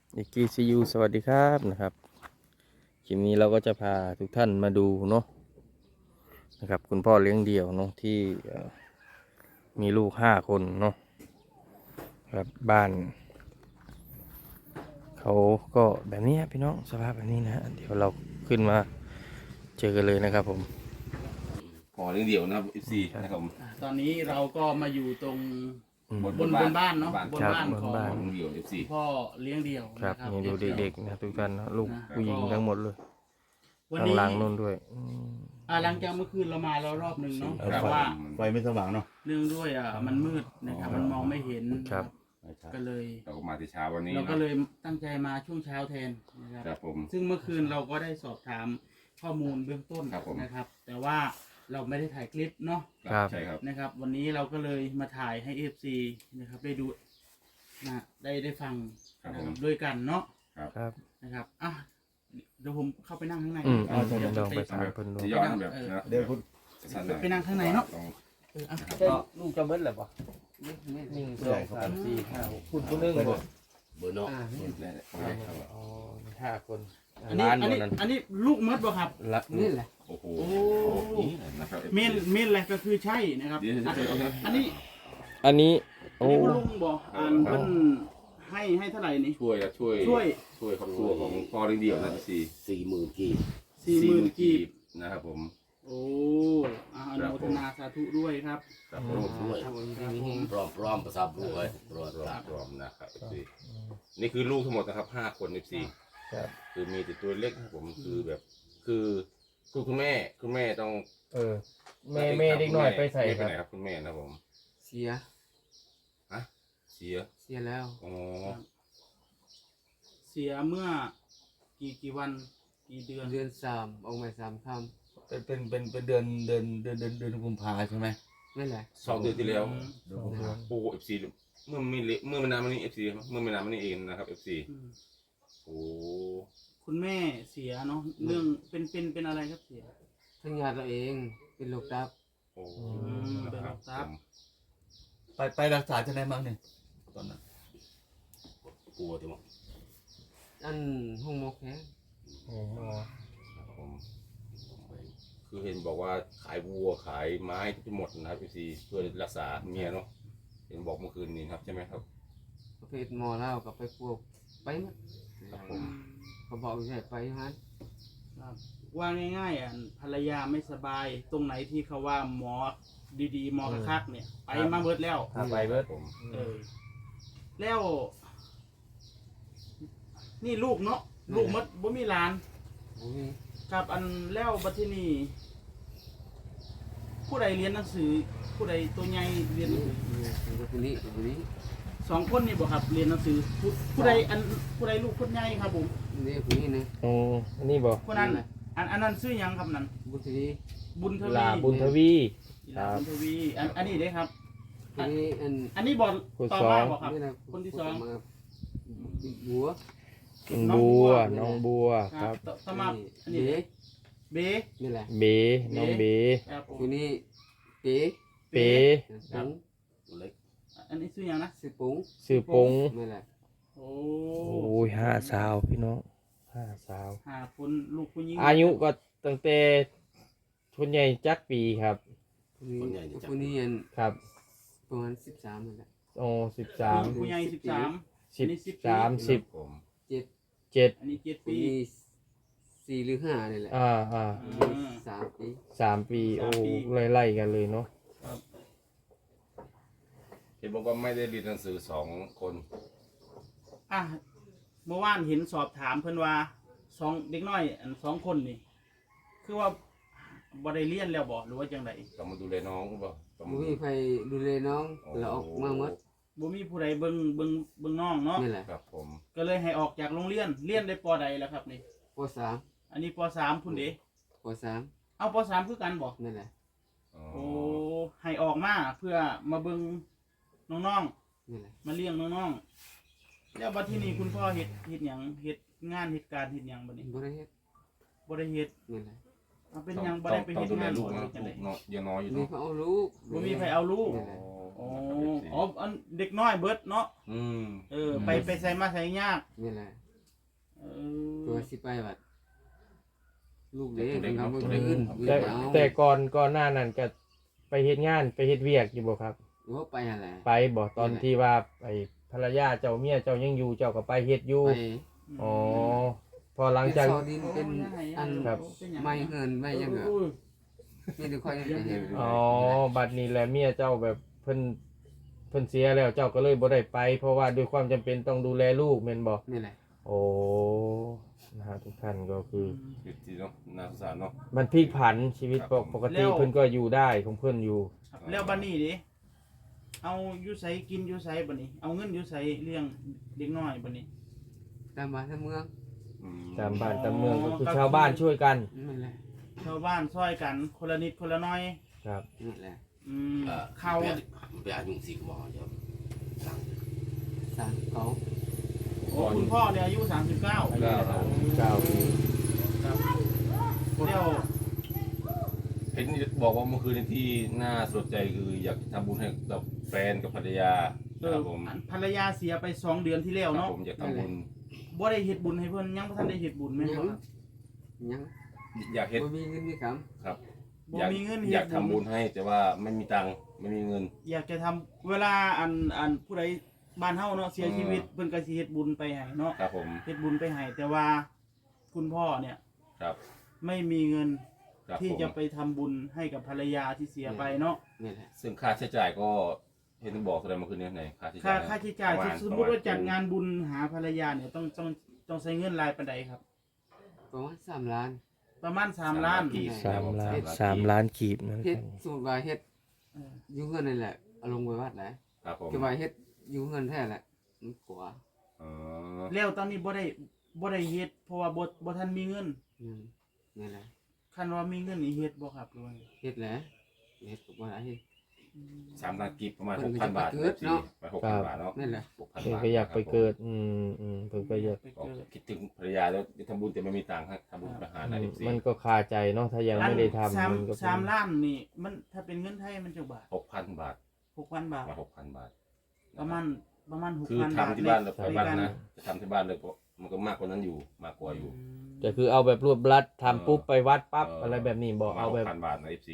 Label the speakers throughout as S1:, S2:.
S1: อิกกี้ซียูสวัสดีครับนะครับคลิปนี้เราก็จะพาทุกท่านมาดูเนาะนะครับคุณพ่อเลี้ยงเดี่ยวเนาะที่มีลูก5 คนเนาะครับบ้านเขาก็แบบนี้พี่น้องสภาพแบบนี้นะฮะเดี๋ยวเราขึ้นมาเจอกันเลยนะครับผม
S2: พอเรื่องเดียวนะครับ FC นะครับผม
S3: ตอนนี้เราก็มาอยู่ตรง
S1: อืม
S3: บนบ้านเนาะบนบ้าน
S1: ครับ
S3: ของ
S1: บนบ้าน
S2: เรื่องเดียว FC
S3: พ่อเลี้ยงเดี่ยว
S1: ครับ
S3: นะครับ
S1: นี่ดูเด็กๆนะทุกท่านนะลูก
S3: นะ
S1: ผู้หญิงทั้งหมดเลย
S3: วัน
S1: ข้าง
S3: นี้
S1: หลังนู่นด้วย
S3: หลังจากเมื่อคืนเรามาแล้วรอบหนึ่งเนาะ
S2: ครับ
S3: แต่ว่า
S4: ไฟไม่สว่างเนาะ
S3: เนื่องด้วยมันมืดนะครับมันมองไม่เห็น
S1: ครับ
S3: ก็เลย
S2: เราก็มาที่เช้าวันนี้
S3: เราก็เลยตั้งใจมาช่วงเช้าแทนนะครับ
S2: ครับผม
S3: ซึ่งเมื่อคืนเราก็ได้สอบถามข้อมูลเบื้องต้น
S2: ครับผม
S3: นะครับ แต่ว่าเราไม่ได้ถ่ายคลิปเนาะ
S1: ครับ
S2: ใช่ครับ
S3: นะครับ วันนี้เราก็เลยมาถ่ายให้ FC นะครับได้ดูนะได้ฟังนะครับด้วยกันเนาะ
S1: ครับ
S3: นะครับเดี๋ยวผมเข้าไปนั่งข้างใน
S1: เดี๋ยวลองไปถามเพิ่นดู
S2: จะย้อนแบบนะ
S4: เดี๋ยวคุณ
S2: สั้นหน่อย
S3: ไปนั่งข้างในเนาะ
S2: ต้อง
S1: ลูกจะเบิ้ลหรือเปล่า1 2 3 4 5 6คุณนึงบ่
S4: เบอร์เนาะ
S2: ได้ครับ
S1: อ๋อ5 คน
S3: อันนี้ลูกมดบ่ครับ
S1: ละนี่แหละ
S2: โอ้โห
S3: โอ้
S2: นี่นะครับ
S3: เมนอะไรก็คือใช่นะครับ
S2: เดี๋ยว
S3: อันนี้
S1: อันนี้
S3: อันนี้คุณลุงบอกเพิ่นให้เท่าไหร่นี่
S2: ช่วยครอบครัวของพ่อเรื่องเดียวนะ FC
S4: 40,000 กีบ
S3: 40,000 กีบ
S2: นะครับผม
S3: โอ้อนุโมทนาสาธุด้วยครับ
S2: ครับผม
S4: ด้วยพร้อมภาษาบุ้งเลยรอ
S2: รวมนะครับ FC นี่คือลูกทั้งหมดนะครับ5 คน FC
S1: ครับ
S2: คือมีแต่ตัวเล็กครับผมคือแบบคือคุณแม่ต้อง
S1: แม่เด็กน้อยไปใส่
S2: ไป
S1: ครับ
S2: ไหนครับคุณแม่นะผม
S5: เสีย
S2: ฮะเสีย
S5: แล้ว
S2: อ๋อ
S3: เสียเมื่อกี่วันกี่เดือน
S5: เดือนสามออกมา3 ค่
S4: เป็นเดือนกุมภาใช่ไหม
S5: ำนั่นแหละ
S2: 2 เดือนที่แล้ว
S4: เดือนกุมภา
S2: โอ้เอฟซีเมื่อไม่นานมานี้เอฟซีเมื่อไม่นานมานี้เองนะครับเอฟซี
S3: อืม
S2: โอ้
S3: คุณแม่เสียเนาะเรื่องเป็นอะไรครับเสีย
S5: ทั้งญาติเราเองเป็นโรคตับ
S2: โอ้
S3: ครับ
S4: ไปรักษาที่ไหนบ้างเนี่ยตอนนั้น
S2: กลัวจังวะ
S5: อันห้องหมอแค่
S2: ผมคือเห็นบอกว่าขายวัวขายไม้ทั้งหมดนะครับเอฟซีเพื่อรักษาเมียเนาะเห็นบอกเมื่อคืนนี้ครับใช่ไหมครับ
S5: ประเภทหมอเล่ากับไปพวกไปหมด
S2: ครับผม
S5: เขาบอกอยู่ไหนไปฮัน
S3: ครับว่าง่ายๆภรรยาไม่สบายตรงไหนที่เขาว่าหมอดีๆหมอคักๆเนี่ย ไปมาเบิดแล้ว
S1: ไปเบิด
S2: ผม
S3: แล้ว นี่ลูกเนาะลูกมดบ่มีหลาน
S5: โอ้ย
S3: กับอันแล้วบัดทีนี้ผู้ใดเรียนหนังสือ ผู้ใดตัวใหญ่เรียนหนังสือ
S5: คนนี้
S3: 2 คนนี่บ่ครับเรียนหนังสือผู้ใดผู้ใดลูกคนใหญ่ครับผม
S5: นี่คนนี้นะ
S1: โอ้อันนี้บ่
S3: คนนั้นอันนั้นชื่อหยังครับนั่น
S5: บุตรี
S3: บุญทวี
S1: ลาบุญทวี
S3: ลาบุญทวีอันนี้เด้ครับ
S5: คนนี้
S3: อันนี้บ่
S1: คน
S3: ต่อ
S1: สอง
S3: มาบ่ครับ
S5: นี่นะ
S3: คนที่สอง
S5: มาบัว
S1: น้องบัวค
S3: ค
S1: รั
S3: รั
S1: บบ
S3: ต่อมาอัน
S5: เบ
S3: นี้เบ
S5: นี่แหละ
S1: เบน้องเบ
S3: ครับผม
S5: คนนี้เป๋
S1: เป๋
S5: ปุ้ง
S4: เล็ก
S3: อันนี้ชื่อหยังนะ
S5: ซื้อปุ้ง
S1: สื่อปง
S5: นี่แหละ
S3: โอ้
S1: โอ้ย5 สาวพี่น้อง5 สาว
S3: หาคนลูกผู้หญิง
S1: อายุก็ตั้งแต่คนใหญ่จักปีครับ
S5: คนนี้อัน
S1: ครับ
S5: ประมาณ13นั่นแหละ
S1: โอ้
S3: ลูก
S1: 13
S3: ผู้ใหญ่13 อันนี้10
S1: 13
S2: ผม
S5: 7
S1: 7
S3: อันนี้7
S5: คน
S3: ปี
S5: นี้4 หรือ 5นี่แหละ 3 ปี
S1: 3 ปีโอ้ไล่ๆกันเลยเนาะ
S2: เห็นบอกว่าไม่ได้เรียนหนังสือ2 คน
S3: เมื่อวานเห็นสอบถามเพิ่นว่า2เด็กน้อยอัน2 คนนี่ คือว่าบ่ได้เรียนแล้วบ่หรือว่าจังได
S2: ต้องมาดูแลน้องหรือเปล่าต้อง
S5: บ่มีใครดูแลน้องเราออกมาหมด
S3: บ่มีผู้ใดเบิ่งน้องเนาะ
S5: นี่แหละ
S2: ครับผม
S3: ก็เลยให้ออกจากโรงเรียนเรียนได้ปอใดแล้วครับนี่
S5: ป .3
S3: อันนี้ป.3พุ่นเด้
S5: ป .3
S3: เอาป.3คือกันบ่
S5: นั่นแหละ
S2: อ๋อ
S3: โอ้ให้ออกมาเพื่อมาเบิ่งน้อง
S5: นี่แหละ
S3: ๆมาเลี้ยงน้องๆแล้วบัดทีนี้คุณพ่อเฮ็ดหยังเฮ็ดงานเฮ็ดการเฮ็ดหยังบัดนี้
S5: บ่ได้เฮ็ด
S3: บ่ได้เฮ็ด
S5: นี่แหละ
S3: เอาเป็นหยังบ่ได้ไป
S2: ต้อ
S3: เฮ็
S2: ง
S3: ด
S2: ดูแล
S3: งาน
S2: ลูก
S3: บ่
S2: นะ
S3: ได้จังได๋
S2: ลูกยังน้อยอยู่
S5: นี่
S2: เนาะ
S5: เขาเอาลูก
S3: บ่มีใครเอาลูก
S5: นี่แหละ
S3: โอ้อ๋ออ๋ออันเด็กน้อยเบิดเนาะ
S2: อืม
S3: ไปใส่มาใส่ยาก
S5: นี่แหละ
S3: เอ
S5: ตัว
S3: อ
S5: สิไปบัดลูกเด็ก
S2: เด็ก
S5: ทำ
S2: เนาะ
S5: บ่คืน
S1: แต่
S5: เอา
S1: แต่ก่อนหน้านั้นก็ไปเฮ็ดงานไปเฮ็ดเวียกอยู่บ่ครับ
S5: โอ้ไปหั่นแหละ
S1: ไปบ่ตอนที่ว่าไอ้ภรรยาเจ้าเมียเจ้ายังอยู่เจ้าก็ไปเฮ็ดอยู่
S5: ไป
S1: อ๋อพอหลัง
S5: เป็น
S1: จาก
S5: ซอดินเป็นอัน
S1: ครับ
S5: ไม่เงินไม่ยังเหรอ
S3: อุ้ย
S5: นี่ดูค่อยได้เห็น
S1: อ๋อบัดนี้แหละเมียเจ้าแบบเพิ่นเสียแล้วเจ้าก็เลยบ่ได้ไป เพราะว่าด้วยความจำเป็นต้องดูแลลูกแม่นบ่
S5: นี่แหละ
S1: โอ้นะฮะทุกท่านก็คือ
S2: ชีวิตที่เนาะน่าสงสารเนาะ
S1: มันพลิกผันชีวิต
S2: ครับ
S1: ปกติเพิ่นก็อยู่ได้ของเพิ่นอยู่
S3: ครับแล้วบัดนี้ดิเอาอยู่ไสกินอยู่ไสบัดนี้เอาเงินอยู่ไสเลี้ยงเด็กน้อยบัดนี้
S5: ตามบ้านตามเมือง
S2: อืม
S1: ตามบ้านตามเมืองก็คือชาวบ้านช่วยกัน
S5: นั่นแหละ
S3: ชาวบ้านซอยกันคนละนิดคนละน้อย
S1: ครับ
S5: นั่นแหละ
S3: เข้า
S6: ไปอายุสิบบอกเดี๋ยวสั่ง
S5: สร้างเขา
S3: โอ้คุณพ่อเนี่ยอายุ 39
S1: 9 ปี
S3: ครับเดี๋ยว
S2: เห็นบอกว่าเมื่อคืนที่น่าสนใจคืออยากทำบุญให้กับแฟนกับภรรยาครับผม
S3: ภรรยาเสียไป2 เดือนที่แล้ว
S2: ครับ
S3: เนาะ
S2: ผมอยากทำบุญ
S3: บ่ได้เฮ็ดบุญให้เพิ่นยังบ่ทันได้เฮ็ดบุญแม่นบ่ครับ
S5: ยัง
S2: อยากเฮ็ด
S5: บ่มีเงินมีค
S2: ครับ
S3: บ่
S2: อยาก
S3: มีเงิน
S2: อ
S3: เฮ็
S2: ยา
S3: ด
S2: กทำบุญให้แต่ว่าไม่มีตังค์ไม่มีเงิน
S3: อยากจะทำเวลาอันผู้ใดบ้านเฮาเนาะเสียชีวิตเพิ่นก็สิเฮ็ดบุญไปให้เนาะ
S2: ครับผม
S3: เฮ็ดบุญไปให้แต่ว่าคุณพ่อเนี่ย
S2: ครับ
S3: ไม่มีเงิน
S2: ครับ
S3: ที่
S2: ผม
S3: จะไปทำบุญให้กับภรรยาที่เสียไปเนาะ
S5: ำนี่แหละ
S2: ซึ่งค่าใช้จ่ายก็เห็นบอกแสดงเมื่อคืนนี้ไหนค่าใช้จ่าย
S3: ค่าใช้จ่าย
S2: ประมณ
S3: สมมุติว่าจัดงานบุญหาภรรยาเนี่ยต้องใช้เงินรายปานใดครับ
S5: ประมาณ3 ล้าน
S3: ประมาณ3 ล้าน
S2: กีบ
S1: 3 ล้าน
S2: ครับ
S1: 3 ล้านกีบนั่น
S5: เฮ็ด
S1: ครับ
S5: สูตรว่าเฮ็ด
S3: เออ
S5: อยู่เงินนี่แหละเอาลงไปวัดแหละ
S2: ครับผม
S5: ก็ว่าเฮ็ดอยู่เงินแท้แหละมันกว่า
S2: อ๋อ
S3: แล้วตอนนี้บ่ได้เฮ็ดเพราะว่าบ่ทันมีเงิน
S5: นี่แหละ
S3: คันว่ามีเงินนี่เฮ็ดบ่ครับหรือว่าไง
S5: เฮ็ดแหละเฮ็ดก็บ่ได้เฮ็ด
S2: 3 ล้านกีบประมาณ
S5: เพิ่นก็
S2: 6,000 บาท
S5: จะไปเกิดเนาะ
S2: ไป6,000 บาทเนาะ
S5: นั่นแหละ
S2: 6,000
S1: เพิ่น
S2: บาท
S1: ก็อยากไปเกิดเพิ่นก็อยาก
S3: ไป
S2: ก็
S3: เกิด
S2: คิดถึงภรรยาแล้วจะทำบุญแต่ไม่มีตังค์ครับทำบุญไปหาหนาย14
S1: มันก็คาใจเนาะถ้ายังไม่ได้ทำมันก็เป็น
S3: 3ล้านนี่มันถ้าเป็นเงินไทยมันจักบาท
S2: 6,000 บาท
S3: 6,000 บาท
S2: มา 6,000 บาท
S3: ประมาณ
S2: คือ
S3: 6,000 บาท
S2: ทำที่บ้านเรา
S3: ใน
S2: ไปบ้าน
S3: การ
S2: นะจะทำที่บ้านเลยเพราะมันก็มากกว่านั้นอยู่มากกว่าอยู่
S1: ก็คือเอาแบบรวบรัดทำปุ๊บไปวัดปั๊บอะไรแบบนี้บอกเอาแบบ
S2: 6,000 บาทนะ FC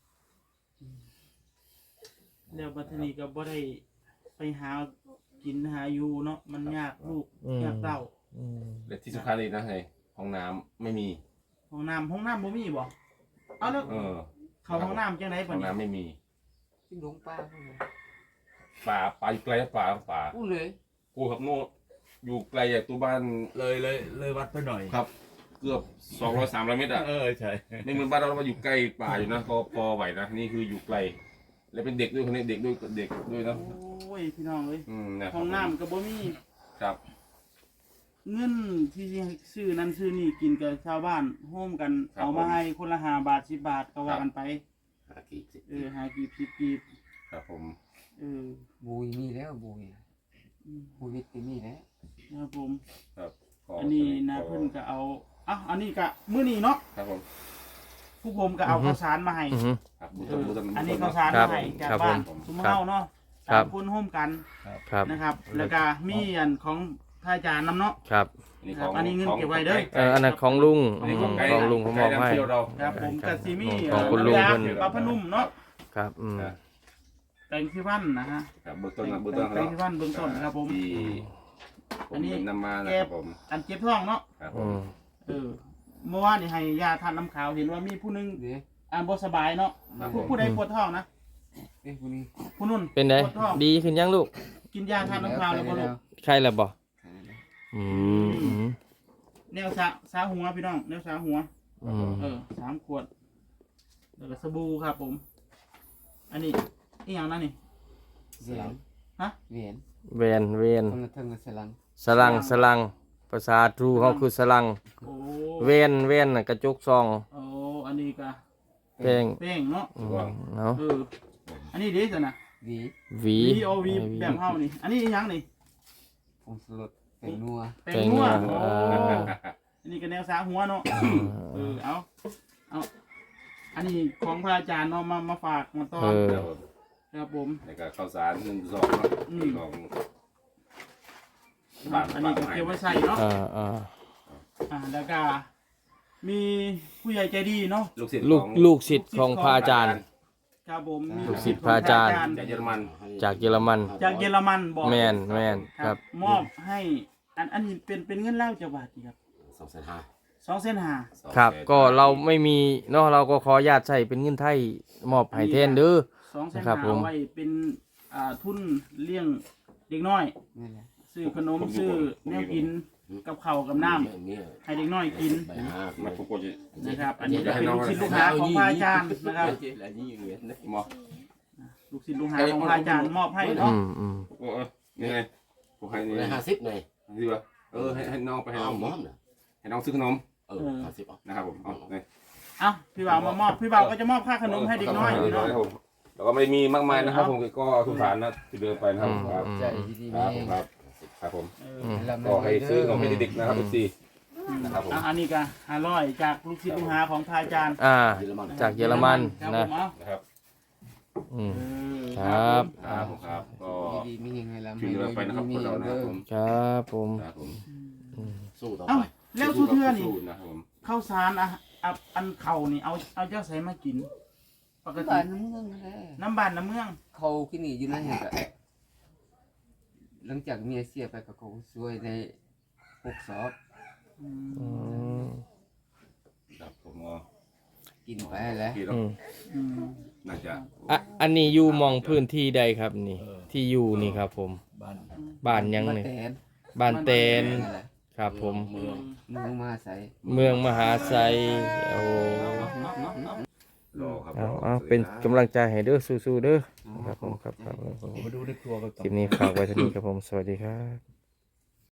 S3: แล้วบัดนี้ก็บ่ได้ไปหากินหาอยู่เนาะมันยากลูกยากเต้า
S1: อืม
S2: และที่สำคัญอีกนะไงห้องน้ำไม่มี
S3: ห้องน้ำบ่มีบ่เอาแล้ว
S2: เออ
S3: เข้าห้องน้ำจังได๋
S2: ห้
S3: บั
S2: อ
S3: ด
S2: ง
S3: นี้
S2: น้ำไม่มี
S5: ที่หลวงป้าพุ่นเลย
S2: ป่าอยู่ไกลนะป่า
S5: พูดเลย
S2: กูครับโน่อยู่ไกลจากตัวบ้าน
S4: เลยวัดไปหน่อย
S2: ครับ เกือบ200-300 เมตรอ่ะ
S4: ใช่
S2: ไม่เหมือนบ้านเรามาอยู่ใกล้ป่าอยู่นะก็พอไหวนะนี่คืออยู่ไกล แล้วเป็นเด็กด้วยคนนี้เด็กด้วยนะ
S3: โอ้ยพี่น้องเอ้ย
S2: นะครับ
S3: ห้องน้ำก็บ่มี
S2: ครับ
S3: เงินที่สิซื้อนั้นซื้อนี่กินกับชาวบ้านโฮมกันเอามาให้คนละ5 บาท10 บาทก็ว่ากันไป
S6: หากีบสิ
S3: หากีบ10กีบ
S2: ครับผม
S5: บุยมีแล้วบุยบุยวิทย์ก็มีแล้ว
S3: นะครับผม
S2: ครับข
S3: อันนี้นะเพิ่นก็เอาอันนี้ก็มื้อนี้เนาะ
S2: ครับผม
S3: ผู้ผมก็เอาข้าวสารมาให้
S1: อือฮึ
S2: ครับ
S3: อันนี้ข้าวสาร
S1: ครั
S3: มา
S1: บ
S3: ให้จาก
S1: ครับ
S3: บ้าน
S1: ผม
S3: ชุมเฮาเนาะ
S1: ครับ
S3: 3คนร่วมกัน
S1: ครับ
S3: นะครับ แล้วก็มีอันของพระอาจารย์นำเนาะ
S1: ครับ
S3: อันนี้เงินเก็บไว้เด้อ
S1: อันนั้นของลุง
S2: อันนี้ของไกด์
S1: ของลุงเขามอบให้
S2: ไกด์นำเที่ยวเรา
S3: ครับผมก็สิมี
S1: ของคุณลุง
S3: น้ำยา
S1: เพิ่น
S3: ปลาพนุ่มเนาะ
S1: ครับ
S3: แปรงสีฟันนะฮะ
S2: ครับเบื้องต้น
S3: แปรงสีฟันเบื้องต้นครับผม
S2: ที่ผ
S3: อั
S2: ม
S3: นนี้
S2: นำมานะครับผม
S3: อันเจ็บท้องเนาะ
S2: ครับผ
S1: อื
S2: ม
S1: ม
S3: เมื่อวานนี่ให้ยาทานน้ำขาวเห็นว่ามีผู้หนึง
S5: เด้
S3: บ่สบายเนาะผู้ใดปวดท้องนะ
S5: ผู้นี้
S3: ผู้นุ่น
S1: เป็นไง
S3: ปวดท้อง
S1: ดีขึ้นยังลูก
S3: กินยาทานน้ำขาวแล้วบ่ลูก
S1: ใช่แล้วบ่อืม
S3: แนวสาหัวพี่น้องแนวสาหัว
S1: อืม
S3: 3 ขวดแล้วก็สบู่ครับผม อันนี้อีหยังนั่นนี่
S5: เสียง
S3: ฮะ
S5: เหรียญ
S1: เวน
S5: คนละเทิงกับสลัง
S1: สลังภาษาทรูเขาคือสลัง
S3: โอ้
S1: เวนน่ะกระจกซอง
S3: โอ้อันนี้ก็
S1: แป้ง
S3: แป้งเนาะ
S1: เนาะ
S3: อันนี้ดีสินะ
S5: วี
S1: หวี
S3: VOV แบบเฮานี่ อันนี้อีหยังนี่
S5: ผงสลดเป็นนัว
S3: แป้งนัว
S1: แป้งนัว
S3: โอ้อันนี้ก็แนวสาหัวเนาะเอาอันนี้ของพระอาจารย์เนาะมาฝากมาต้อน
S1: เออ
S2: ครับผม
S3: ครับผม
S2: ในการข้าวสาร1 2เนาะ
S3: อืม
S2: ของ
S3: อันนี้ก็เก็บไว้ใส่เนาะ แล้วก็มีผู้ใหญ่ใจดีเนาะ
S2: ลูกศิษย์
S1: ลู
S2: ข
S1: ก
S2: อง
S1: ลูกศิษย์ของพระอาจารย์
S3: ครับผมมี
S1: ลูกศิษย์พระอาจารย์
S2: จากเยอรมัน
S1: จากเยอรมัน
S3: จากเยอรมันบอก
S1: แมนครับ
S3: มอบให้อันนี้เป็นเงินเล่าจะบาทครับ
S6: 2,500
S3: 2,500,000
S1: ครับ ก็เราไม่มีเนาะเราก็ขออนุญาตใช้เป็นเงินไทยมอบให้แทนเด้อ
S3: 2,500,000
S1: ครับผม
S3: เอาไว้เป็นทุนเลี้ยงเด็กน้อย
S5: นั่นแหละ
S3: ซื้อขนมซื้อแนวกินกับข้าวกับน้ำให้เด็กน้อยกิน
S2: มาทุกคนจะ
S3: นะครับ อันนี้จะเป็นลูกศิษย์ลูกหาของพระอาจารย์นะครับ
S2: มอ
S3: ลูกศิษย์ลูกหาของพระอาจารย์มอบให้
S1: อื
S3: เนาะ
S1: ม
S2: นี่ไงผมให้นี่
S6: ได้50เลย
S2: ดีป่ะให้น้องไปให้
S6: เอา
S2: น้อง
S6: หมอมน่ะ
S2: ให้น้องซื้อขนม
S6: 50เอา
S2: นะครับผมเอาเลย
S3: เอ้าพี่บ่าวมามอบพี่บ่าวก็จะมอบค่าขนมให้เด็กน้อยเนาะ
S2: ครับผมแล้วก็ไม่ได้มีมากมายนะครับผมก็ทุกฐานนะที่เดินไปนะครับครับ
S5: ใจดีๆ
S2: ครับ
S5: มี
S2: ผมครับครับผม
S5: ลำ
S2: ก็ให้ซื้อขนมให้เด็กๆนะครับพี่นะครับผม
S3: อันนี้ก็500จากลูกศิษย์ลูกหาของพระอาจารย์
S6: เยอรมัน
S1: จากเยอรมัน
S3: ครับ
S1: นะ
S3: ผมเอา
S2: นะครับ
S1: อืม
S3: เออ
S1: ครับ
S2: ครับผมครับก็
S5: ดีๆมียังไงลำ
S2: ช่วยเหลือไปนะครับพวกเรานะครับผม
S1: ครับผม
S2: ครับผม
S6: สู้ต่อ
S3: เอ้า
S6: ไป
S3: แล้วทุกเทื่อนี่
S2: สู้ๆนะครับผม
S3: ข้าวสารอันเข่านี่เอาเจ้าใส่มากิน ปกติ
S5: บ้านน้ำเมืองนั่นแหละ
S3: น้ำบ้านน้ำเมือง
S5: เขาที่นี่อยู่นั่นเองก็หลังจากเมียเสียไปก็เขาช่วยใน6 สอบ
S3: อืม
S1: อืม
S2: ครับผมก็
S5: กินไปแล้ว
S2: พี่เรา
S1: อืม
S3: อืม
S2: น่าจะ
S1: อันนี้อยู่มองพื้นที่ใดครับนี่ ที่อยู่นี่ครับผม
S4: บ้าน
S1: บ้านยัง
S5: มา
S1: นี่
S5: แตน
S1: บ้านเตน
S5: นั่นแหละ
S1: ครับผม
S6: เมือง
S5: มึงมาใส่
S1: เมืองมหาไซโอ้
S2: รอครับ
S1: เอาเป็นกำลังใจให้เด้อสู้ๆเด้อครับผมครับ
S4: มาดูในครัวกันต่อ
S1: คลิปนี้ฝากไว้เท่านี้ครับผม สวัสดีครับ